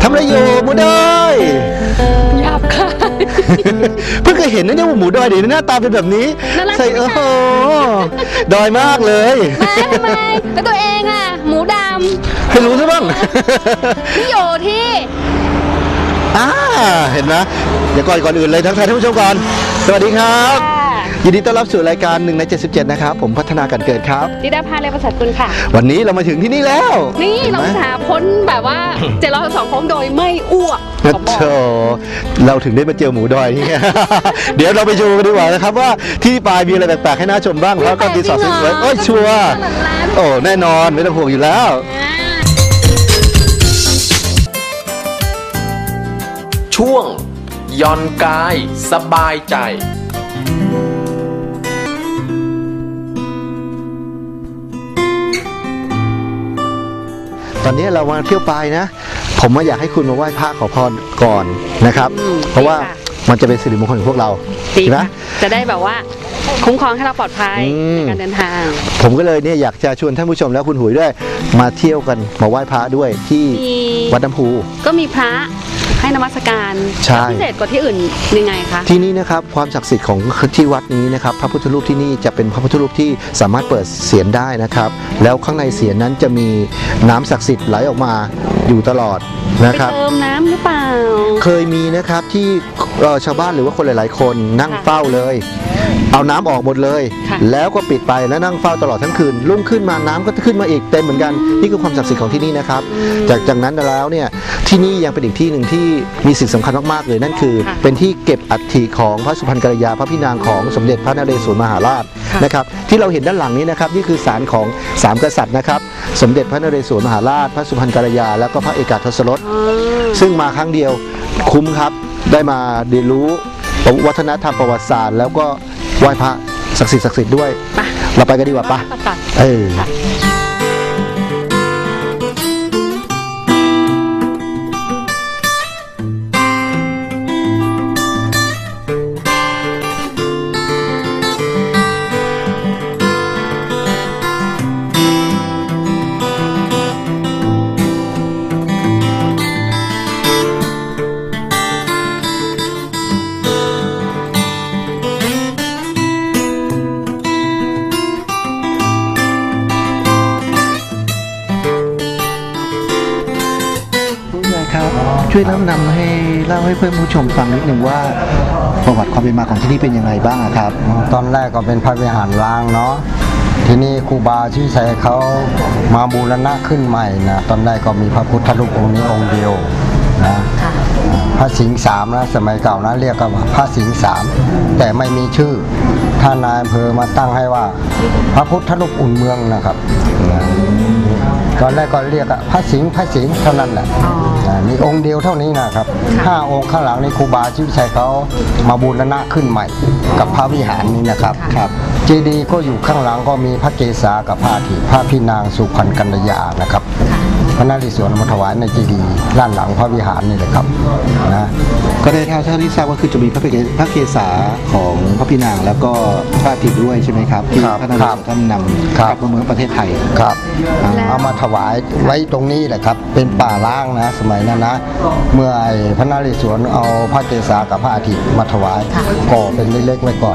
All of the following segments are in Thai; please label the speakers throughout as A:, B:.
A: ทำอะไรอยู่หมูดอย
B: หยาบคาย
A: เพิ่งเคยเห็นนะเนี่ยว่าหมูดอยเดี๋ยวหน้าตาเป็นแบบนี้ใส่โอ้โหดอยมากเลย
B: ทำไมแล้วตัวเองอ่ะหมูดำ
A: ให้รู้ซะบ้าง
B: ที่อยู่ที่
A: เห็นไหมเดี๋ยวก่อนอื่นเลยทักทายท่านผู้ชมก่อนสวัสดีครับยินดีต้อนรับสู่รายการ1 ใน 77นะครับผมพัฒนาการเกิดครับ
B: ดิดาภาเลประเสริฐกุลค่ะ
A: วันนี้เรามาถึงที่นี่แล้ว
B: นี่เราหาพ้นแบบว่า702โค้งโดยไม่อ้วก
A: เราถึงได้มาเจอหมูดอยนี่ เดี๋ยวเราไปดูกันดีกว่านะครับว่าที่ปลายมีอะไรแปลกๆให้น่าชมบ้างแล้วก็ดีสอดสวยๆโอ้ยชัวร์โอ้แน่นอนไม่ต้องห่วงอยู่แล้ว
C: ช่วงย่อนกายสบายใจ
A: ตอนนี้เรามาเที่ยวปลายนะผมอยากให้คุณมาไหว้พระขอพรก่อนนะครับเพราะว่ามันจะเป็นสิริมงคลของพวกเรา
B: ใช่ไหมจะได้แบบว่าคุ้มครองให้เราปลอดภัยในการเดินทาง
A: ผมก็เลยเนี่ยอยากจะชวนท่านผู้ชมแล้วคุณหุยด้วยมาเที่ยวกันมาไหว้พระด้วยที่วัดน้ำพุ
B: ก็มีพระให้นมัสการพิเศษกว่าที่อื่นยังไงคะ
A: ที่นี่นะครับความศักดิ์สิทธิ์ของที่วัดนี้นะครับพระพุทธรูปที่นี่จะเป็นพระพุทธรูปที่สามารถเปิดเสียรได้นะครับแล้วข้างในเสียรนั้นจะมีน้ำศักดิ์สิทธิ์ไหลออกมาอยู่ตลอดนะครับ
B: ไปเติมน้ำหรือเปล่า
A: เคยมีนะครับที่ชาวบ้านหรือว่าคนหลายๆคนนั่งเฝ้าเลยเอาน้ำออกหมดเลยแล้วก็ปิดไปแล้วนั่งเฝ้าตลอดทั้งคืนรุ่งขึ้นมาน้ำก็ขึ้นมาอีกเต็มเหมือนกันนี่คือความศักดิ์สิทธิ์ของที่นี่นะครับจากนั้นแล้วเนี่ยที่นี่ยังเป็นอีกที่หนึ่งที่มีสิ่งสำคัญมากๆเลยนั่นคือเป็นที่เก็บอัฐิของพระสุพรรณกัลยาพระพี่นางของสมเด็จพระนเรศวรมหาราชนะครับที่เราเห็นด้านหลังนี้นะครับนี่คือศาลของ3กษัตริย์นะครับสมเด็จพระนเรศวรมหาราชพระสุพรรณกัลยาแล้วก็พระเอกาทศรสซึ่งมาครั้งเดียวคุ้มครับได้มาเรียนรู้วัฒนธรรมประวัติศาสตร์แล้วก็ไหว้พระศักดิ์สิทธิ์ด้วยเราไปกันดีกว่าปะช่วยแนะนำให้เล่าให้เพื่อนผู้ชมฟังนิดหนึ่งว่าประวัติความเป็นมาของที่นี่เป็นยังไงบ้างครับ
D: ตอนแรกก็เป็นพระวิหารร้างเนาะทีนี้ครูบาชื่อชัยเขามาบูรณะขึ้นใหม่นะตอนแรกก็มีพระพุทธรูปองค์นี้องค์เดียวนะพระสิงห์3นะสมัยเก่านะเรียกกันว่าพระสิงห์3แต่ไม่มีชื่อท่านนายอำเภอมาตั้งให้ว่าพระพุทธรูปอุ่นเมืองนะครับตอนแรกก็เรียกพระสิงห์เท่านั้นแหละมีองค์เดียวเท่านี้นะครับ5องค์ข้างหลังในครูบาชื่อชัยเขามาบูรณะขึ้นใหม่กับพระวิหารนี้นะครับเจดีย์ก็อยู่ข้างหลังก็มีพระเกศากับพระอาทิพระพี่นางสุพรรณกัลยานะครับพระนเรศวรมาถวายในเจดีย์ด้านหลังพระวิหารนี่แหละครับนะ
A: ก็ได้เท่าที่ทราบก็คือจะมีพระเกศาของพระพี่นางแล้วก็พระอาทิตย์ด้วยใช่ไหมครับที่ท่านนำกลับมาเมืองประเทศไทย
D: ครับเอามาถวายไว้ตรงนี้แหละครับเป็นป่าล้างนะสมัยนั้นนะเมื่อพระนเรศวรเอาพระเกศากับพระอาทิตย์มาถวายก่อเป็นเล็กๆไว้ก่อน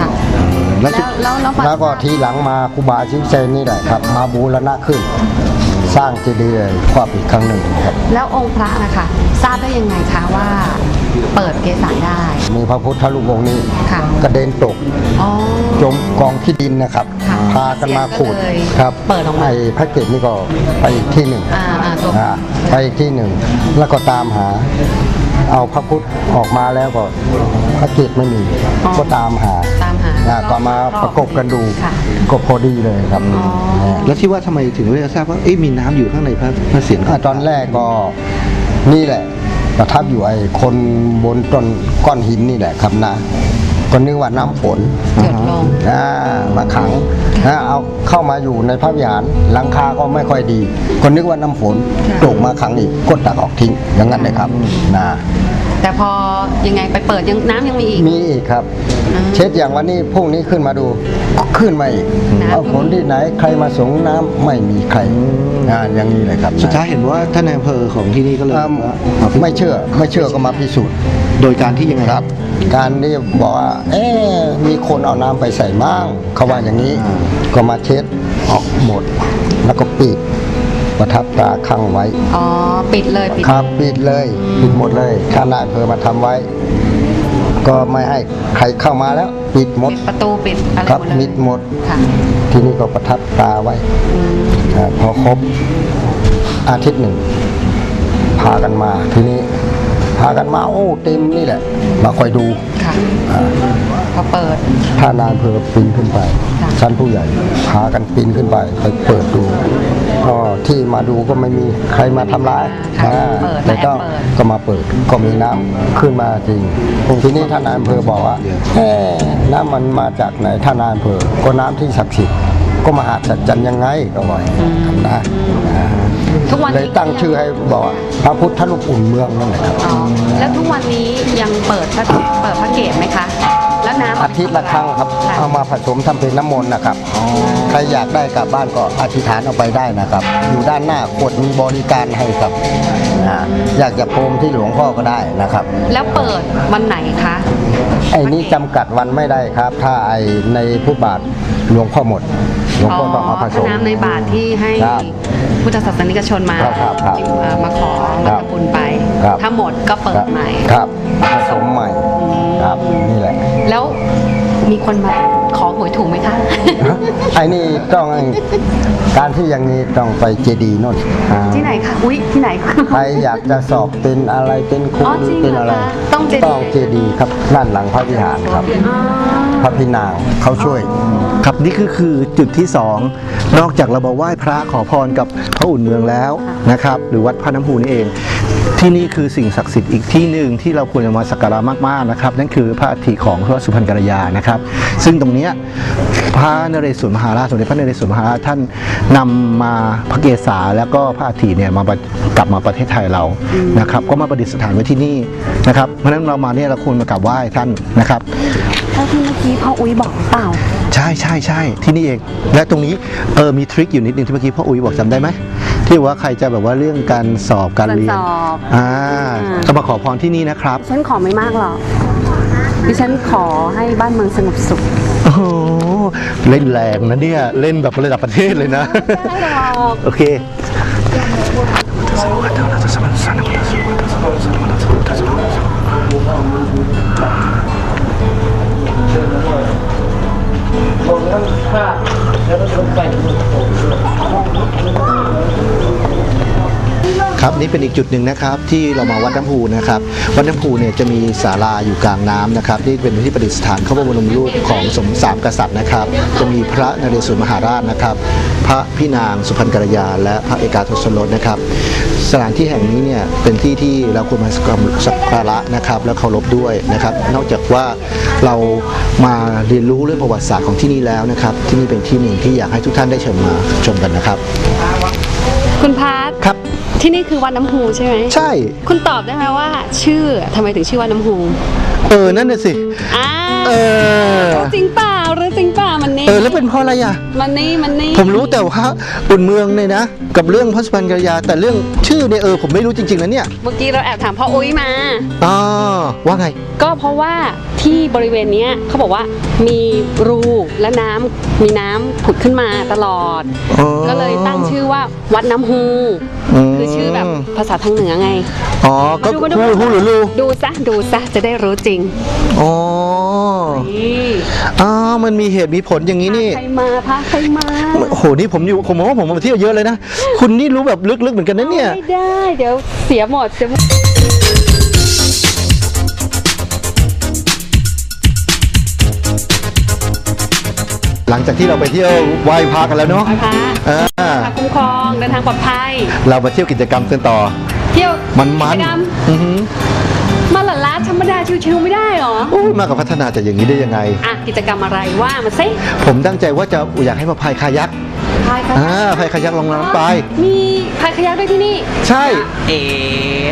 D: แล้วก็ทีหลังมาครูบาชิมเซนนี่แหละครับมาบูรณะขึ้นสร้างเจดีย์ครอบอีกครั้งหนึ่งครับ
B: แล้วองค์พระนะคะทราบได้ยังไงคะว่าเปิดเกศาได้
D: มีพระพุทธรูปองค์นี้กระเด็นตกจมกองขี้ดินนะครับพากันมาขุดครับ
B: เปิดออกมา
D: พระเกศนี่ก็ไปอีกที่หนึ่งไปอีกที่หนึ่งแล้วก็ตามหาเอาพระพุทธออกมาแล้วก็พระเกศไม่มีก็ตามหาก็มาประกบกันดูก็พอดีเลยครับ
A: แล้วที่ว่าทำไมถึงได้ทราบว่ามีน้ำอยู่ข้างในพระเศียร
D: ตอนแรกก็นี่แหละประทับอยู่ไอ้คนบนต้นก้อนหินนี่แหละครับนะก็นึกว่าน้ำฝนมาขังเอาเข้ามาอยู่ในพระวิหารหลังคาก็ไม่ค่อยดีก็นึกว่าน้ำฝนตกมาขังอีกก็ตักออกทิ้งอย่างนั้นเลยครับนะ
B: แต่พอยังไงไปเปิดยังน้ำยังมีอีก
D: มีอีกครับ เช็ดอย่างวันนี้พรุ่งนี้ขึ้นมาดูขึ้นมาอีก
B: น้ำ
D: เอาฝนที่ไหนใครมาส่งน้ำไม่มีใครงานอย่างนี้เลยครับ
A: สุดท้ายเห็นว่าท่านนายอำเภอของที่นี่ก็เลย
D: ไม่เชื่อก็มาพิสูจน์
A: โดยการที่ยังไง
D: ครับ การที่บอกว่ามีคนเอาน้ำไปใส่มั่งเขาว่าอย่างนี้ก็มาเช็ดออกหมด แล้วก็ปิดประทับตราข้างไว้
B: อ๋อปิดเลยปิด
D: ครับปิดเลยปิดหมดเลยท่านนายอำเภอมาทำไว้ ก็ไม่ให้ใครเข้ามาแล้ว ปิดหมด
B: ปิดประตูปิดอะไร
D: ครับ
B: หมดเลย
D: มิดหมด
B: ค่ะ
D: ที่นี่ก็ประทับตราไว้พอครบอาทิตย์หนึ่ง พากันมาทีนี้พากันมาโอ้เต็มนี่แหละ มาคอยดู
B: ค่ะพอเปิด
D: ถ้านายอำเภอปีนขึ้นไป
B: ค่ะ
D: ชั้นผู้ใหญ่พากันปีนขึ้นไปเปิดดูก็ที่มาดูก็ไม่มีใครมาทำร้าย
B: ค่ะ
D: อ่า
B: เปิด
D: แต่ก็
B: แอบเปิด
D: ก็มาเปิดก็มีน้ำขึ้นมาจริงทีนี้ท่านนายอำเภอบอกว่าน้ำมันมาจากไหนท่านนายอำเภอก็น้ำที่ศักดิ์สิทธิ์ก็มหาสัจจันยังไงก็บอกนะ
B: ทุกวัน
D: เลย
B: นี้
D: ตั้งชื่อให้บอกว่าพระพุทธรูปอุ่นเมืองนั่นแหละครับ
B: อ๋อแล้วทุกวันนี้ยังเปิดพระเกศไหมคะ แล้วน้ำ
D: อาทิตย์ละครั้งครับ
B: ะ
D: เอามาผสมทำเป็นน้ำมนต์นะครับใครอยากได้กลับบ้านก็อธิษฐานเอาไปได้นะครับ อยู่ด้านหน้าขวดมีบริการให้ครับอยากจะโพรมที่หลวงพ่อก็ได้นะครับ
B: แล้วเปิดวันไหนคะ
D: ไอ้นี้จำกัดวันไม่ได้ครับ ถ้าไอ้ในพุทธบาทหลวงพ่อหมดหลวงพ่อต้องเอาผส
B: ถ้าม น้ำในบาทที่ให้
D: ครับ
B: พุทธศาสนิกชนมา
D: ครับ
B: มาขอ
D: ครั
B: มา
D: บ
B: ทำบุญไป
D: ครับ
B: ถ้าหมดก็เปิดใหม่
D: ครับผสมใหม่ครับนี่แหละ
B: แล้วมีคนมาขอหวยถูกไหมคะ
D: ไอ้นี่ต้องการที่อย่างนี้ต้องไปเจดีย์โน่น
B: ที่ไหนคะอุ้ยที่ไหน
D: ใครอยากจะสอบเป็นอะไรเป็นครู
B: อ๋อจริง
D: เป็นอะไร
B: เหรอคะต้องเจดีย์
D: ต้องเจดีย์ครับด้านหลังพระวิหารครับ พระพินางเขาช่วย
A: ครับนี่คือจุดที่ 2 นอกจากเรามาไหว้พระขอพรกับพระอุ่นเมืองแล้วนะครับ หรือวัดพระน้ำพูนี่เอง ที่นี่คือสิ่งศักดิ์สิทธิ์อีกที่หนึ่งที่เราควรจะมาสักการะมากๆนะครับ นั่นคือพระอัฐิของพระสุพรรณกัลยานะครับ ซึ่งตรงเนี้ยพระนเรศวรมหาราชสมเด็จพระนเรศวรมหาราชท่านนำมาพระเกศาแล้วก็พระอัฐิเนี่ยกลับมาประเทศไทยเรานะครับ ก็มาประดิษฐานไว้ที่นี่นะครับ เพราะฉะนั้นเรามาเนี่ยเราควรมากราบไหว้ท่านนะครับ
B: เท่าที่เมื่อกี้พ่ออุ้ยบอกเปล่า
A: ใช่ใช่ใช่ที่นี่เอง และตรงนี้มีทริคอยู่นิดนึงที่เมื่อกี้พ่ออุ๋ยบอกจำได้ไหมที่ว่าใครจะแบบว่าเรื่องการสอบการเรียน
B: การสอบ
A: ก็มาขอพรที่นี่นะครับ
B: ดิฉันขอไม่มากหรอกดิฉันขอให้บ้านเมืองสงบสุข
A: โอ้โหเล่นแรงนะเนี่ย เล่นแบบระดับประเทศเลยนะ
B: ไม่ได้หรอก
A: โอเค ครับนี่เป็นอีกจุดหนึ่งนะครับที่เรามาวัดน้ำพูนะครับวัดน้ำพูเนี่ยจะมีศาลาอยู่กลางน้ำนะครับที่เป็นที่ประดิษฐานพระบรมรูปของสมสามกษัตริย์นะครับ จะมีพระนเรศวรมหาราชนะครับ พระพี่นางสุพรรณกัลยาและพระเอกาทศรสนะครับ สถานที่แห่งนี้เนี่ยเป็นที่ที่เราควรมาสักการะนะครับและเคารพด้วยนะครับ นอกจากว่าเรามาเรียนรู้เรื่องประวัติศาสตร์ของที่นี่แล้วนะครับที่นี่เป็นที่หนึ่งที่อยากให้ทุกท่านได้เชิญมาชมกันนะครับ
B: คุณพาร์ท
A: ครับ
B: ที่นี่คือวัดน้ำฮูใช่ไหม
A: ใช่
B: คุณตอบได้ไหมว่า ชื่อทำไมถึงชื่อวัดน้ำฮู
A: นั่นน่ะสิ
B: อ่า
A: เออ
B: รู้จริงเปล่ารู้จริงเปล่ามันนี่
A: แล้วเป็นเพราะอะไรอ่ะ
B: มันนี่
A: ผมรู้แต่ว่าอุ่นเมืองเนี่ยนะกับเรื่องพระสุพรรณกัลยาแต่เรื่องชื่อเนี่ยผมไม่รู้จริงๆนะเนี่ย
B: เมื่อกี้เราแอบถามพ่ออุ้ยมา
A: อ๋อว่าไง
B: ก็เพราะว่าที่บริเวณเนี้ยเขาบอกว่ามีรูและมีน้ำผุดขึ้นมาตลอด
A: อ๋อ
B: ก็เลยตั้งชื่อว่าวัดน้ำฮู คือชื่อแบบภาษาทางเหนือไง
A: อ๋อก็
B: มาดู
A: ฮู้หรือลู
B: ดูซะจะได้รู้จริง
A: อ๋อ
B: นี่
A: มันมีเหตุมีผลอย่างนี้นี่
B: พาใครมา
A: โอ้โหนี่ผมมองว่าผมมาเที่ยวเยอะเลยนะคุณนี่รู้แบบลึกๆเหมือนกันนะเนี่ย
B: ไม่ได้เดี๋ยวเสียหมด
A: หลังจากที่เราไปเที่ยวไหว้พระกันแล้วเนาะ
B: พา
A: อ่า
B: คุ้มครองเดินทางปลอดภัย
A: เรามาเที่ยวกิจกรรมกันต่อ
B: เที่ยว
A: มัน
B: กิจกรรม
A: อือหือ
B: มาหลาลาธรรมดาชิวๆไม่ได้หรอ
A: โอ้ยมากับพัฒนาจะอย่างนี้ได้ยังไง
B: อ่ะกิจกรรมอะไรว่ามาสิ
A: ผมตั้งใจว่าจะอยากให้มาพายคายัก
B: พายคายัก
A: พายคายักลงน้ำไป
B: มีพายคายักด้วยที่นี่
A: ใช่
B: เอ๋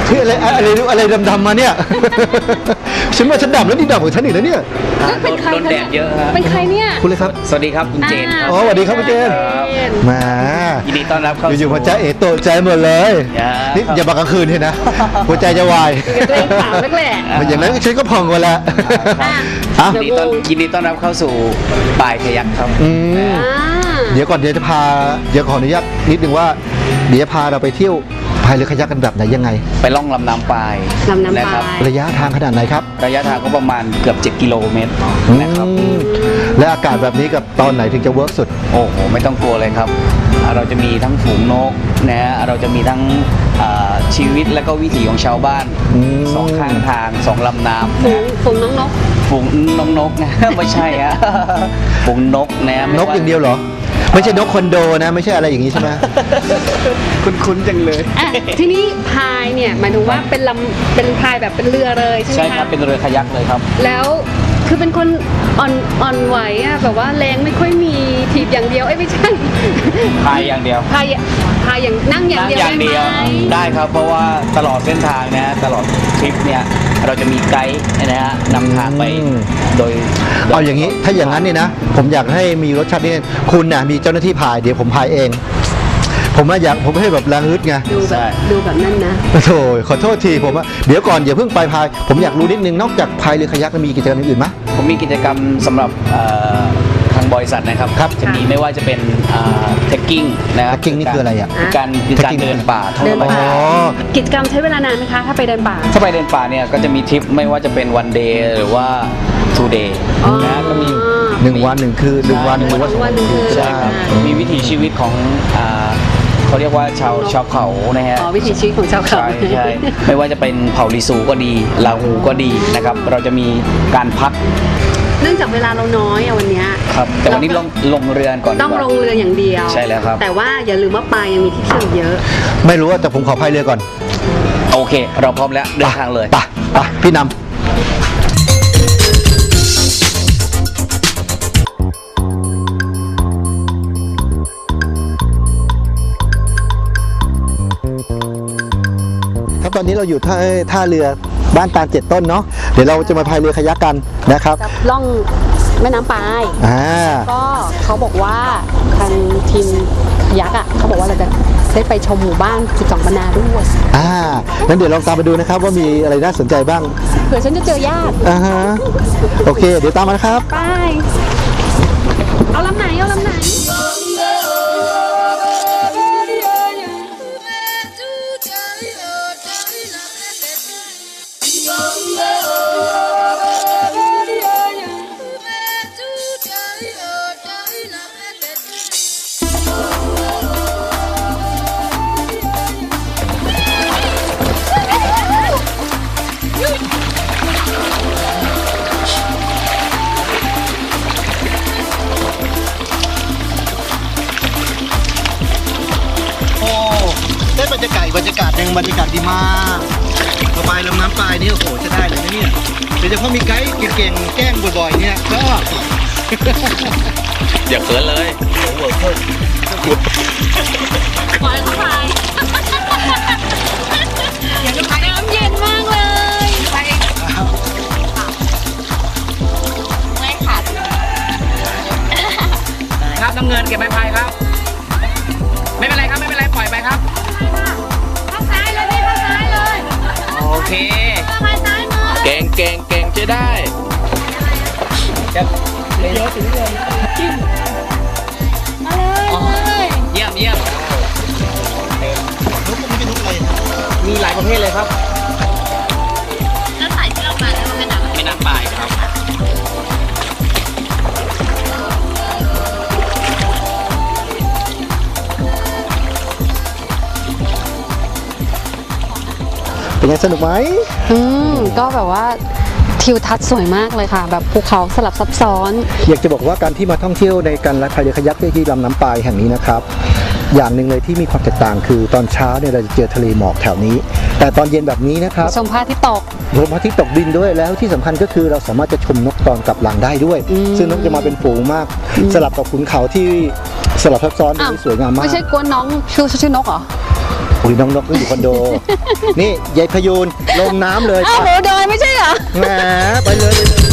A: ที่อะไรดำๆมาเนี่ย ฉันว่าฉันดำแล้วนี่ดำกว่าฉันอีกแล้วเนี่ย
B: เป็นใคร
E: โดนแดดเยอะครับ
B: เป็นใครเนี่ย
A: คุณเลยครับ
E: สวัสดีครับคุณเจนครับ
A: อ๋อสวัสดีครับคุณเจน
E: ครับ
A: แหม
E: ยินดีต้อนรับเข้า
A: อยู่ๆ
E: สู่
A: มาจ้าเอ๋โตใจหมดเลย นี่อย่ามากลางคืนเห็นนะ หัวใจจะวาย
B: กับตัวเองสาวนักแหละ
A: อย่างนั้นฉันก็พองกว่าแล้วอ่ะ
E: ยินดีต้อนรับเข้าสู่ปลายขยักครับ
A: อืม
B: อ่า
A: เดี๋ยวขออนุญาตนิดนึงว่าเดี๋ยวพาเราไปเที่ยวพายเรือคายักกันแบบไหนยังไง
E: ไปล่องลำน้ำปลาย
B: ลำน้ำ
E: นะ
B: ป
E: ครั
B: ลา
E: บ
B: ย
A: ระยะทางขนาดไหนครับ
E: ระยะทางก็ประมาณเกือบ7 กิโลเมตรนะครับ
A: อืมและอากาศแบบนี้กับตอนไหนถึงจะเวิร์กสุด
E: โอ้โหไม่ต้องกลัวเลยครับเราจะมีทั้งฝูงนกนะฮะเราจะมีทั้งชีวิตและก็วิถีของชาวบ้าน
A: อืม
E: สองข้างทางสองลำน้ำ
B: ฝูงน้องนก
E: ฝูงน้องนกนะ ไม่ใช่ฮะ ฝูงนกนะ
A: นกอย่างเดียวเหรอ ไม่ใช่นกคอนโดนะ ไม่ใช่อะไรอย่างนี้ใช่ไหม
E: คุ้นๆจังเลย
B: อ่ะทีนี้พายเนี่ยหมายถึงว่าเป็นพายแบบเป็นเรือเลยใช่ไหม
E: ใช่ครับ
B: ะ
E: เป็นเรือคายักเลยครับ
B: แล้วคือเป็นคนอ่อนไหวอ่ะแบบว่าแรงไม่ค่อยมีถีบอย่างเดียวไม่ใช่
E: พายอย่างเดียว
B: พายอย่างนั่งอย่าง
E: นั่ง
B: เดียว
E: อย่างเดียว
B: ได้ไหม
E: ได้ครับ เพราะว่าตลอดเส้นทางนะตลอดทริปเนี่ยเราจะมีไกด์นะฮะนำทางไป
A: อืม
E: โดย
A: เอาอย่างนี้ ถ้าอย่างนั้นเนี่ยนะ ผมอยากให้มีรสชาตินี่คุณน่ะมีเจ้าหน้าที่พาย เดี๋ยวผมพายเอง ผมให้แบบแรงฮึดไง
B: ดูแบบนั้นนะ
A: โถ่ขอโทษทีผมว่าเดี๋ยวก่อนอย่าเพิ่งไปพาย ผมอยากรู้นิดนึง นอกจากพายเรือคายักแล้วมีกิจกรรมอื่นไหม
E: ผมมีกิจกรรมสำหรับทางบริษัทนะครับ
A: ครับ
E: จะมีไม่ว่าจะเป็นเทคกิ้งนะครับ
A: trekking นี่คืออะไรอ่ะ
E: การ
A: trekking
E: เดินป่าท่อง
B: เดิน
E: ธรรม
B: ป่า
E: ชาติ
A: อ๋อ
B: กิจกรรมใช้เวลานานไหมคะ ถ้าไปเดินป่า
E: ถ้าไปเดินป่าเนี่ยก็จะมีทริปไม่ว่าจะเป็นวันเดย์หรือว่า two day
B: อ๋อ
E: นะก็มี
A: 1 วัน 1 คืน1 วัน 1 วัน
B: 1 วัน1 คืน
E: ใช่ครับ
B: อ่า
E: มีวิถีชีวิตของเขาเรียกว่าชาวเขานะฮะ
B: อ๋อวิถีชีวิตของชาวเขา
E: ใช่ไม่ว่าจะเป็นเผ่าลิซูก็ดีลาหูก็ดีนะครับ เราจะมีการพัก
B: เนื่องจากเวลาเราน้อยอะวันเนี้ย
E: ครับ แต่วันนี้ลงเรือนก่อน
B: ต้อง
E: ดีกว่า
B: ลงเรืออย่างเดียว
E: ใช่แล้วครับ
B: แต่ว่าอย่าลืมว่าปลายังมีที่เที่ยวอีกเยอะ
A: ไม่รู้ว่าแต่ผมขอพายเรือก่อน
E: โอเค เราพร้อมแล้วเดินทางเลย
A: ไปพี่นำครับตอนนี้เราอยู่ท่าเรือบ้านตาล7 ต้นเนาะเดี๋ยวเราจะมาพายเรือคายักกันนะครับ
B: จะล่องแม่น้ำปาย ก็เขาบอกว่าทางทีมยักษ์อ่ะเขาบอกว่าเราจะได้ไปชมหมู่บ้าน 12 บรรณาด้วย
A: งั้นเดี๋ยวลองตามไปดูนะครับว่ามีอะไรน่าสนใจบ้าง
B: เผื่อฉันจะเจอญาติ
A: โอเค เดี๋ยวตามมานะครับ
B: ไป เอาลำไหน เอาลำไหน
A: โอ้ได้บรรยากาศอีกบรรยากาศหนึ่งบรรยากาศดีมากระบายลำน้ำปลายนี่โอ้โหจะได้เลยนะเนี่ยโดยเฉพาะมีไกด์เก่งๆแกล้งบ่อยๆเนี่ยก็
C: อย่าเขินเลย
B: ปล่อยเขาไปน้ำเย็นมากเลยไปไม่ขาด
E: ครับน้ำเงินเก็บไม้พายครับ ไม่เป็นไรครับ ไม่เป็นไร ปล่อยไปครับ
B: ข้างซ้ายเลยพี่ข้างซ้ายเลย
E: โอเค
B: ข้างซ้ายมือ
C: เก่งจะได้
B: มาเลย
E: เยี่ยมเยี่ยม
A: นกพวกนี้เป็นนกอะไร
E: มีหลายประเภทเลยครับ
B: แล้วสายที่เรามาเนี่ยมันเป็นอะไร
E: ไม่น้ำปลายครับ
A: เป็นไงสนุกไหม
B: ก็แบบว่าทิวทัศน์สวยมากเลยค่ะ แบบภูเขาสลับซับซ้อน
A: อยากจะบอกว่าการที่มาท่องเที่ยวในการพายเรือคายักที่ลำน้ำปายแห่งนี้นะครับ อย่างหนึ่งเลยที่มีความแตกต่างคือตอนเช้าเนี่ยเราจะเจอทะเลหมอกแถวนี้ แต่ตอนเย็นแบบนี้นะครับ
B: ชมพระอาทิตย์ตก
A: ลมพระอาทิตย์ตกดินด้วยแล้วที่สำคัญก็คือเราสามารถจะชมนกตอนกลับหลังได้ด้วย ซึ่งนกจะมาเป็นฝูงมาก สลับกับขุนเขาที่สลับซับซ้อน
B: อ้าว
A: สวยงามมาก
B: ไม่ใช่กวนน้องชื่อนกเหรอ
A: อุ้ยน้องนกก็อยู่คอนโด นี่ยายพยูนลงน้ำเลย
B: อ้าวโหดอยไม่ใช่เหรอ
A: แหมไปเลย